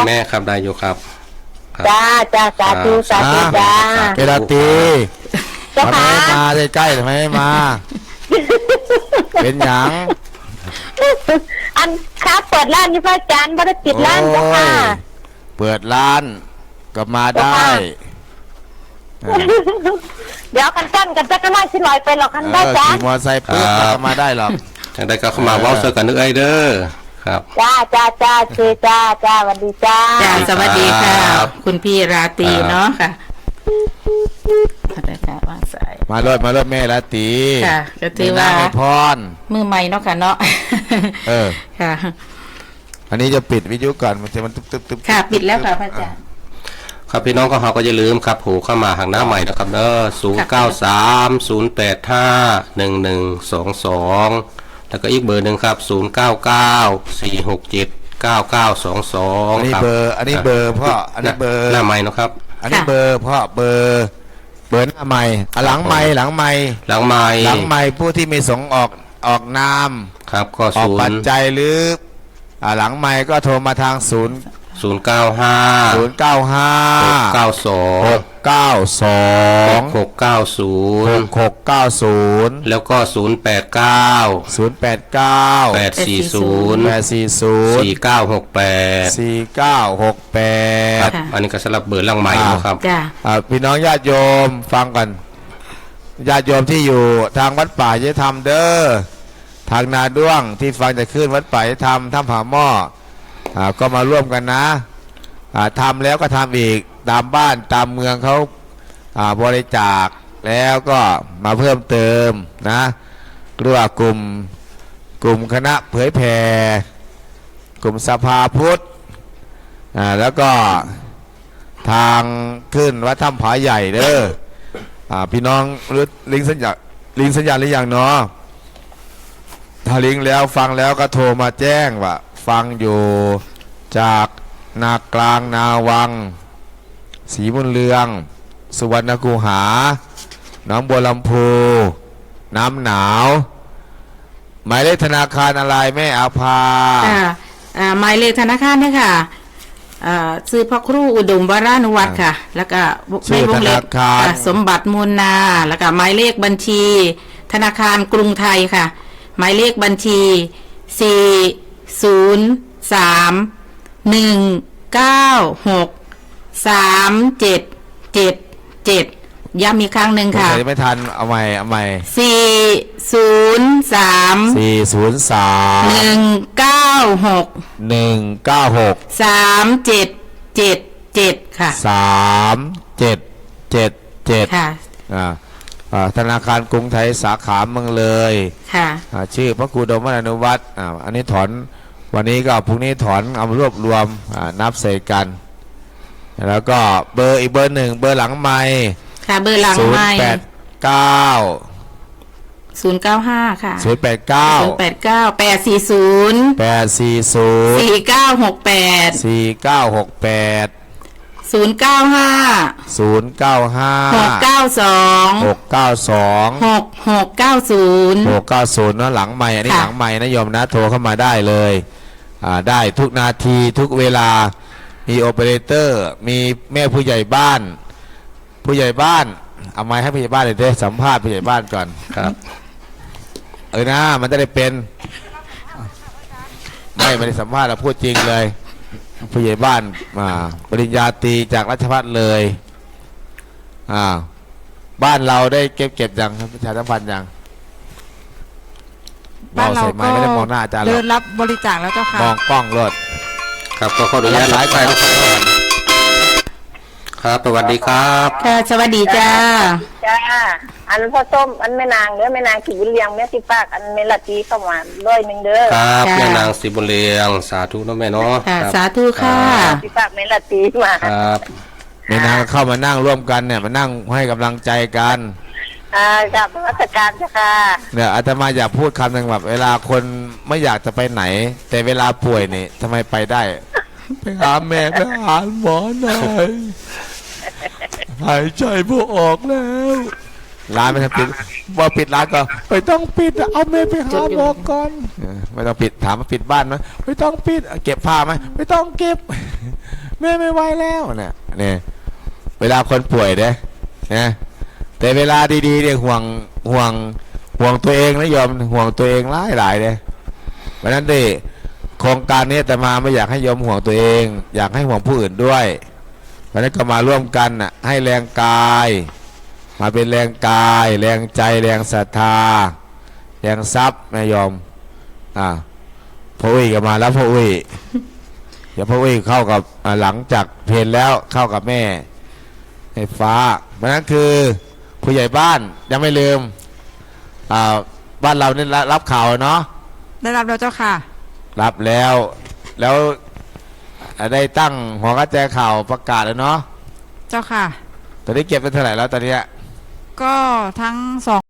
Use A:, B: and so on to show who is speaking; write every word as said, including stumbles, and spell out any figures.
A: แม่ครับได้อยู่ครับ
B: จ้าจ้าสาธุสาธุจ้า
C: เวลาตี
B: เจ้า
C: ทำไม
B: ค่ะ
C: มาใกล้ๆทำไมไม่มา เป็นหยัง
B: อันค้าเปิดร้านนี่พระอาจารย์ไม่ได้ปิดร้านเจ้าค่ะ
C: เปิดร้านก็มาได้
B: เดี๋ยวกันกั้นกันจะก็ไล่ชิ้นลอยไปหรอกกันได้จ้า
C: ขี่มอเตอร์ไซค์ปุ๊บก็มาได้หรอก
A: จังได้ก็เข้ามาเว้าเสื้อกันนึกไอเด้อครับ
B: จ้าจ้าจ้าเจจ้าจ้าสวัสดีจ้า
D: จ้าสวัสดีค่ะคุณพี่ราตรีเนาะค่ะวางสาย
C: มาเลยมาเลยแม่ราตรี
D: ค่ะก็ถือว่า
C: พร
D: มือใหม่เนาะค่ะเนาะ
C: เออ
D: ค่ะ
C: อันนี้จะปิดวิทยุก่อนมันจะมันตึ๊บตึ๊บตึ๊บ
D: ค่ะปิดแล้วค่ะพระอาจารย์
A: ครับพี่น้องก็เขาก็อย่าลืมครับผูเข้ามาหางหน้าใหม่นะครับเนอะศูนย์เก้าสามศูนย์แปดห้าหนึ่งหนึ่งสองสองแล้วก็อีกเบอร์หนึ่งครับศูนย์เก้าเก้าสี่หกเจ็ดเก้าเก้าสองสอง
C: อันนี้เบอร์อันนี้เบอร์พ่ออันนี้เบอร์
A: หน้าใหม่นะครับ
C: อันนี้เบอร์พ่อเบอร์เบอร์หน้าใหม่หลังใหม่หลังใหม่
A: หลังใหม่
C: หลังใหม่ผู้ที่มีส่งออกออกนาม
A: ครับก็
C: ออก
A: ศูน
C: ปัจ
A: ย์
C: จัยหรือหลังใหม่ก็โทรมาทางศูนย์
A: ศูนย์เก้าห้า
C: ศูนย์เก้าห้า
A: หกเก้าสอง
C: หกเก้าสอง
A: หกเก้าศูนย์
C: หกเก้าศูนย์
A: แล้วก็ศูนย์แปดเก้า
C: ศูนย์แปดเก้า
A: แปดสี่ศูนย์
C: แปดสี่ศูนย์
A: สี่เก้าหกแปด
C: สี่เก้าหกแปด
A: อันนี้ก็สำหรับเบอร์หลังใหม่นะครับ
C: พี่น้องญาติโยมฟังกันญาติโยมที่อยู่ทางวัดป่าจะทำเด้อทางนาด้วงที่ฟังจะขึ้นวัดป่าจะทำถ้ำผาหม้อก็มาร่วมกันนะทำแล้วก็ทำอีกตามบ้านตามเมืองเขาบริจาคแล้วก็มาเพิ่มเติมนะเรียกว่ากลุ่มกลุ่มคณะเผยแผ่กลุ่มสภาพุทธแล้วก็ทางขึ้นวัดถ้ำผาใหญ่เด้อพี่น้องรู้ลิงสัญญาลิงสัญญาหรือยังเนาะถ้าลิงแล้วฟังแล้วก็โทรมาแจ้งว่าฟังอยู่จากนากลางนาวังศรีบุญเรืองสุวรรณคูหาหนองบัวลำพูน้ำหนาวหมายเลขธนาคารอะไรแม่อาภา
D: หมายเลขธนาคารเนี่ยค่ะซื้อพระครูอุดมวรานุวัตรค่ะแล้วก็
C: ชื่อธนาคาร
D: สมบัติมูลนาแล้วก็หมายเลขบัญชีธนาคารกรุงไทยค่ะหมายเลขบัญชีสี่ศูนย์สามหนึ่งเก้าหกสามเจ็ดเจ็ดเจ็ดย้ำอีกครั้งหนึ่งค่ะ
C: ไม่ทันเอาใหม่เอาใหม่
D: สี่ศูนย์สาม
C: สี่ศูนย์สาม
D: หนึ่งเก้าหก
C: หนึ่งเก้าหก
D: สามเจ็ดเจ็ดเจ็ดค่ะ
C: สามเจ็ดเจ็ดเจ็ด
D: ค่ะ
C: อ่าธนาคารกรุงไทยสาขาเมืองเลย
D: ค่ะ
C: ชื่อพระครูอุดมวรานุวัตรอ่าอันนี้ถอนวันนี้ก็พรุ่งนี้ถอนเอารวบรวมนับใส่กันแล้วก็เบอร์อีกเบอร์หนึ่งเบอร์หลังไมค์
D: ค่ะเบอร์หลังไมค์
C: ศูนย์แปดเก้า
D: ศูนย์เก้าห้าค่ะ
C: ศูนย์แปดเก้า
D: ศูนย์แปดเก้าแปดสี่ศูนย์
C: แปดสี่ศูนย์
D: สี่เก้าหกแปด
C: สี่เก้าหกแปด
D: ศูนย์เก้าห้า
C: ศูนย์เก้าห้า
D: หกเก้าสอง
C: หกเก้าสอง
D: หกหกเก้าศูนย์
C: หกเก้าศูนย์นะหลังไมค์อันนี้หลังไมค์นะโยมนะโทรเข้ามาได้เลยอ่าได้ทุกนาทีทุกเวลามีโอเปอเรเตอร์มีแม่ผู้ใหญ่บ้านผู้ใหญ่บ้านเอาไม้ให้ผู้ใหญ่บ้านเลยเด้สัมภาษณ์ผู้ใหญ่บ้านก่อน
A: ครับ
C: เออนะมันจะได้เป็นไม่ไม่ได้สัมภาษณ์เราพูดจริงเลยผู้ใหญ่บ้านมาปริญญาตรีจากราชภัฏเลยอ่าบ้านเราได้เก็บเก็บยังประชาสัมพันธ์ยัง
E: บ้านเราก็
C: ไม่ได้มองหน้าอาจารย์
E: เดินรับบริจาคแล้วเจ้าค่ะ
C: มองกล้องรถ
A: ครับก็ขออนุญาตหลายไปครับสวัสดีครับ
D: ค่ะสวัสดีจ้า
B: จ้าอันพ่อส้มอันแม่นางเด้อแม่นางสีบุญเลียงแม่สิปากอันเมลตีเข้ามาด้วยหนึ่งเด้อ
A: ครับแม่นางสีบุญเลียงสาธุนะแม่เนาะ
D: สาธุค่ะ
B: สิปากเมลตีมา
A: ครับ
C: แม่นางเข้ามานั่งร่วมกันเนี่ยมานั่งให้กำลังใจกัน
B: อ่ากับราชการจ้ะค่ะ
C: เนี่ยอาตมาอยากพูดคำหนึ่งแบบเวลาคนไม่อยากจะไปไหนแต่เวลาป่วยนี่ทำไมไปได้ไปหาแม่ไปหาหมอหน่อยหายใจไม่ออกแล้วร้านไม่ต้องปิดว่าปิดร้านก็ไม่ต้องปิดเอาแม่ไปหาหมอก่อนไม่ต้องปิดถามว่าปิดบ้านไหมไม่ต้องปิดเก็บผ้าไหมไม่ต้องเก็บแม่ไม่ไหวแล้วเนี่ยเนี่ยเวลาคนป่วยเนี่ยนะแต่เวลาดีๆเนี่ยห่วงห่วงห่วงตัวเองนะโยมห่วงตัวเองหลายหลายเลยเพราะนั้นดิโครงการนี้แต่มาไม่อยากให้โยมห่วงตัวเอง อยากให้ห่วงผู้อื่นด้วยเพราะนั้นก็มาร่วมกันน่ะให้แรงกาย มาเป็นแรงกายแรงใจแรงศรัทธาแรงทรัพย์นะโยมอ่าพ่ออุ้ยก็มาแล้วพ่ออุ้ย เดี๋ยวพ่ออุ้ยเข้ากับอ่าหลังจากเพลนแล้วเข้ากับแม่ให้ฟ้าเพราะนั้นคือผู้ใหญ่บ้านยังไม่ลืมอ่าบ้านเราเนี่ยรับข่าวเนาะ
E: ได้รับแล้วเจ้าค่ะ
C: รับแล้วแล้วอ่าได้ตั้งหัวกระแจข่าวประกาศแล้วเนาะ
E: เจ้าค่ะ
C: ตอนนี้เก็บไปเท่าไหร่แล้วตอนเนี้ย
E: ก็ทั้งสอง